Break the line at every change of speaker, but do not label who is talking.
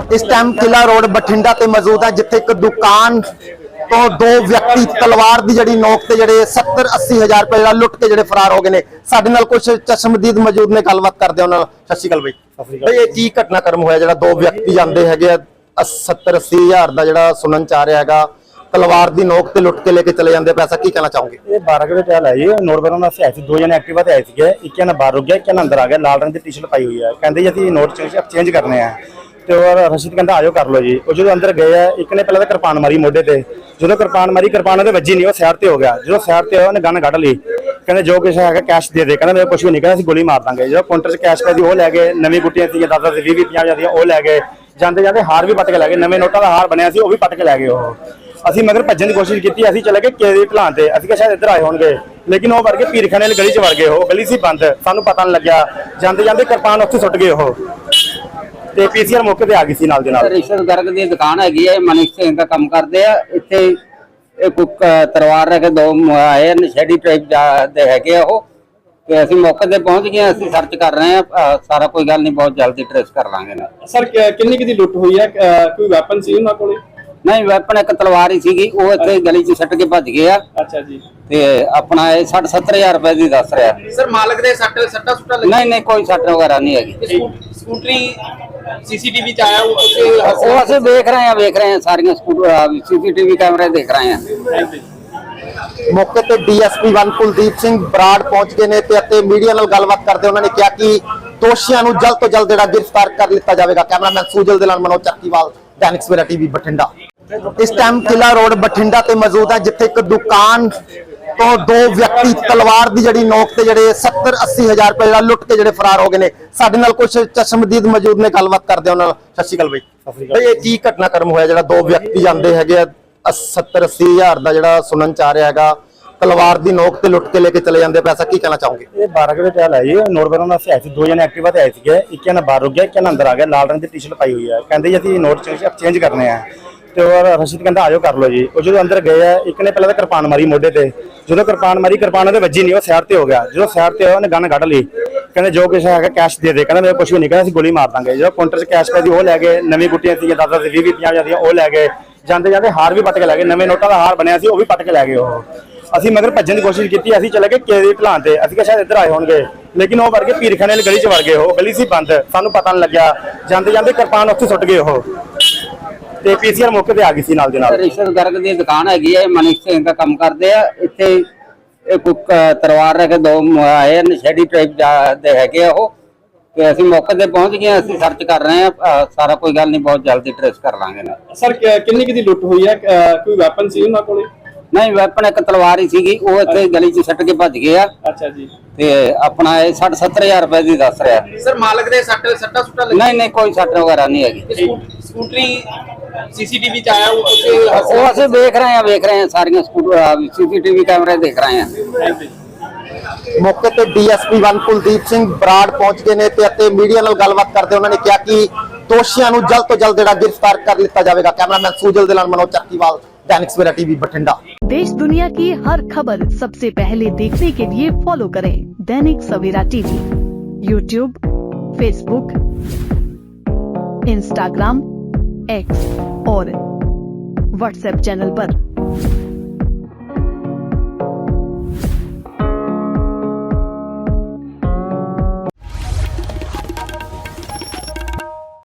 इस टाइम किला रोड बठिंडा ते मौजूद है, जिथे एक दुकान तो दो व्यक्ति तलवार की जी नोक से ਜਿਹੜੇ 70-80 हज़ार रुपए ਜਿਹੜਾ लुट के ਜਿਹੜੇ फरार हो गए ने। ਸਾਡੇ ਨਾਲ कुछ चश्मदीद मौजूद ने, गलबात करते हैं। सत श्री अकाल बई। बई ये की घटनाक्रम होया ਜਿਹੜਾ दो व्यक्ति ਜਾਂਦੇ ਹੈਗੇ 70-80 हज़ार ਦਾ ਜਿਹੜਾ ਸੁਣਨ ਚ ਆ ਰਿਹਾ ਹੈਗਾ, तलवार की नोक से लुट के लेके चले जाते, पैसा की कहना चाहोगे?
ये 12 के टाइम है जी, नोट बनाने वास्ते आए थे। दो जने एक्टिवा ते आए थे, एक ने बाहर रुक गया, एक ने अंदर आ गया। लाल रंग की टी शर्ट पाई हुई है, कहते जी असं नोट चेंज करने हैं तो रशीद कहता आ जाओ कर लो जी। वो जो अंदर गए है, एक ने पहले तो कृपान मारी मोढे ते, जो कृपान मारी कृपान वो वजी नहीं, वो सैर ते हो गया। जो सैर ते होया उन्हें गन कढ़ ली, कहते जो कुछ है कैश दे दे, कहते मेरे कुछ भी नहीं, कहते गोली मार देंगे। जो काउंटर से कैश पै दी वो लै गए, नवी गुट्टियां थी 10-10 20-50 हज़ार दी वो लै गए। जाते जाते हार भी पट के लै गए, नवे नोटा का हार बनया सी वो भी पट के लै गए। ਅਸੀਂ ਮਗਰ ਭੱਜਣ ਦੀ ਕੋਸ਼ਿਸ਼ ਕੀਤੀ, ਅਸੀਂ ਚਲੇ ਗਏ ਕੇਰੀ ਢਲਾਣ ਤੇ, ਅਸੀਂ ਕਿਹਾ ਸ਼ਾਇਦ ਇੱਧਰ ਆਏ ਹੋਣਗੇ, ਲੇਕਿਨ ਉਹ ਵੜ ਕੇ ਪੀਰਖਾਨੇ ਵਾਲੀ ਗਲੀ 'ਚ ਵੜ ਗਏ। ਉਹ ਗਲੀ ਸੀ ਬੰਦ, ਸਾਨੂੰ ਪਤਾ ਨਹੀਂ ਲੱਗਿਆ। ਜਾਂਦੇ ਜਾਂਦੇ ਕਿਰਪਾਨ ਉੱਥੇ ਸੁੱਟ ਗਏ ਉਹ, ਤੇ ਪੀਸੀਆਰ ਮੌਕੇ ਤੇ ਆ ਗਈ ਸੀ ਨਾਲ ਦੇ ਨਾਲ।
ਰਿਸ਼ਵਤ ਗਰਗ ਦੀ ਦੁਕਾਨ ਹੈਗੀ ਹੈ, ਮਨੀਸ਼ ਸਿੰਘ ਦਾ ਕੰਮ ਕਰਦੇ ਆ ਇੱਥੇ। ਇੱਕ ਤਲਵਾਰ ਰੱਖ ਕੇ ਦੋ ਆਏ ਨਸ਼ੇੜੀ ਟਾਈਪ ਦੇ ਹੈਗੇ ਆ ਉਹ, ਤੇ ਅਸੀਂ ਮੌਕੇ ਤੇ ਪਹੁੰਚ ਗਏ। ਅਸੀਂ ਸਰਚ ਕਰ ਰਹੇ ਆ, ਸਾਰਾ ਕੋਈ ਗੱਲ ਨਹੀਂ, ਬਹੁਤ ਜਲਦੀ ਟ੍ਰੇਸ ਕਰ ਲਾਂਗੇ।
ਸਰ ਕਿੰਨੀ ਕਿ ਦੀ ਲੁੱਟ ਹੋਈ ਹੈ? ਕੋਈ ਵੈਪਨ ਸੀ ਉਹਨਾਂ ਕੋਲੇ?
नहीं वैपन एक तलवार ही सीगी, वो इत्थे गली च सट के भज गया।
अच्छा जी।
ते अपना 60-70 हज़ार रुपए दी दस रहा।
सर मालक दे सट्टा सुट्टा
नहीं नहीं कोई सट वगैरह नहीं हैगी।
स्कूटरी सीसीटीवी च आया वो
असं देख रहे हैं सारियां सीसीटीवी कैमरे देख रहे हैं।
मौके ते DSP 1 कुलदीप सिंह बराड़ पहुंच गए ने ते मीडिया नाल गलबात करते उन्होंने कहा कि दोषियों को जल्द तो जल्द गिरफ्तार कर लिया जाएगा। कैमरामैन सूजल दे नाल मनोज चक्कीवाल, दैनिक सवेरा टीवी बठिंडा। इस टाइम किला रोड बठिंडा ते मौजूद है, जिथे एक दुकान तो दो व्यक्ति तलवार की जी नोक से ਜਿਹੜੇ 70-80 हज़ार रुपए ਜਿਹੜਾ लुट के ਜਿਹੜੇ फरार हो गए ने। ਸਾਡੇ ਨਾਲ कुछ चश्मदीद मौजूद ने, गलबात करते हैं। सत श्री अकाल बई। बई ये की घटनाक्रम होया ਜਿਹੜਾ दो व्यक्ति ਜਾਂਦੇ ਹੈਗੇ 70-80 हज़ार ਦਾ ਜਿਹੜਾ ਸੁਣਨ ਚ ਆ ਰਿਹਾ ਹੈਗਾ, तलवार की नोक से लुट के लेके चले जाते, पैसा की कहना चाहोगे?
ये 12 के टाइम है जी, नोट बनाने वास्ते आए थे। दो जने एक्टिवा ते आए थे, एक ने बाहर रुक गया, एक ने अंदर आ गया। लाल रंग की टी शर्ट पाई हुई है, कहते जी असं नोट चेंज करने हैं तो रशीद कहता आ जाओ कर लो जी। वो जो अंदर गए है, एक ने पहले तो कृपान मारी मोढे ते, जो कृपान मारी कृपान वो वजी नहीं, वो सैर ते हो गया। जो सैर ते होया उन्हें गन कढ़ ली, कहते जो कुछ है कैश दे दे, कहते मेरे कुछ भी नहीं, कहते गोली मार देंगे। जो काउंटर से कैश पै दी वो लै गए, नवी गुट्टियां थी 10-10 20-50 हज़ार दी वो लै गए। जाते जाते हार भी पट के लै गए, नवे नोटा का हार बनया सी वो भी पट के लै गए। ਅਸੀਂ ਮਗਰ ਭੱਜਣ ਦੀ ਕੋਸ਼ਿਸ਼ ਕੀਤੀ, ਅਸੀਂ ਚਲੇ ਗਏ ਕੇਰੀ ਢਲਾਣ ਤੇ, ਅਸੀਂ ਕਿਹਾ ਸ਼ਾਇਦ ਇੱਧਰ ਆਏ ਹੋਣਗੇ, ਲੇਕਿਨ ਉਹ ਵੜ ਕੇ ਪੀਰਖਾਨੇ ਵਾਲੀ ਗਲੀ 'ਚ ਵੜ ਗਏ। ਉਹ ਗਲੀ ਸੀ ਬੰਦ, ਸਾਨੂੰ ਪਤਾ ਨਹੀਂ ਲੱਗਿਆ। ਜਾਂਦੇ ਜਾਂਦੇ ਕਿਰਪਾਨ ਉੱਥੇ ਸੁੱਟ ਗਏ ਉਹ, ਤੇ ਪੀਸੀਆਰ ਮੌਕੇ ਤੇ ਆ ਗਈ ਸੀ ਨਾਲ ਦੇ ਨਾਲ।
ਰਿਸ਼ਵਤ ਗਰਗ ਦੀ ਦੁਕਾਨ ਹੈਗੀ ਹੈ, ਮਨੀਸ਼ ਸਿੰਘ ਦਾ ਕੰਮ ਕਰਦੇ ਆ ਇੱਥੇ। ਇੱਕ ਤਲਵਾਰ ਰੱਖ ਕੇ ਦੋ ਆਏ ਨਸ਼ੇੜੀ ਟਾਈਪ ਦੇ ਹੈਗੇ ਆ ਉਹ, ਤੇ ਅਸੀਂ ਮੌਕੇ ਤੇ ਪਹੁੰਚ ਗਏ। ਅਸੀਂ ਸਰਚ ਕਰ ਰਹੇ ਆ, ਸਾਰਾ ਕੋਈ ਗੱਲ ਨਹੀਂ, ਬਹੁਤ ਜਲਦੀ ਟ੍ਰੇਸ ਕਰ ਲਾਂਗੇ।
ਸਰ ਕਿੰਨੀ ਕਿ ਦੀ ਲੁੱਟ ਹੋਈ ਹੈ? ਕੋਈ ਵੈਪਨ ਸੀ ਉਹਨਾਂ ਕੋਲੇ?
नहीं वैपन एक तलवार ही सीगी, वो इत्थे गली च सट के भज गया।
अच्छा जी।
ते अपना 60-70 हज़ार रुपए दी दस रहा।
सर मालक दे सट्टा सुट्टा
नहीं नहीं कोई सट वगैरह नहीं हैगी।
स्कूटरी सीसीटीवी च आया वो
असं देख रहे हैं सारियां सीसीटीवी कैमरे देख रहे हैं।
मौके ते DSP 1 कुलदीप सिंह बराड़ पहुंच गए ने ते मीडिया नाल गलबात करते उन्होंने कहा कि दोषियों को जल्द तो जल्द गिरफ्तार कर लिया जाएगा। कैमरामैन सूजल दे नाल मनोज चक्कीवाल, दैनिक सवेरा टीवी बठिंडा।
देश दुनिया की हर खबर सबसे पहले देखने के लिए फॉलो करें Dainik Savera TV, YouTube, Facebook, Instagram, X और WhatsApp चैनल पर।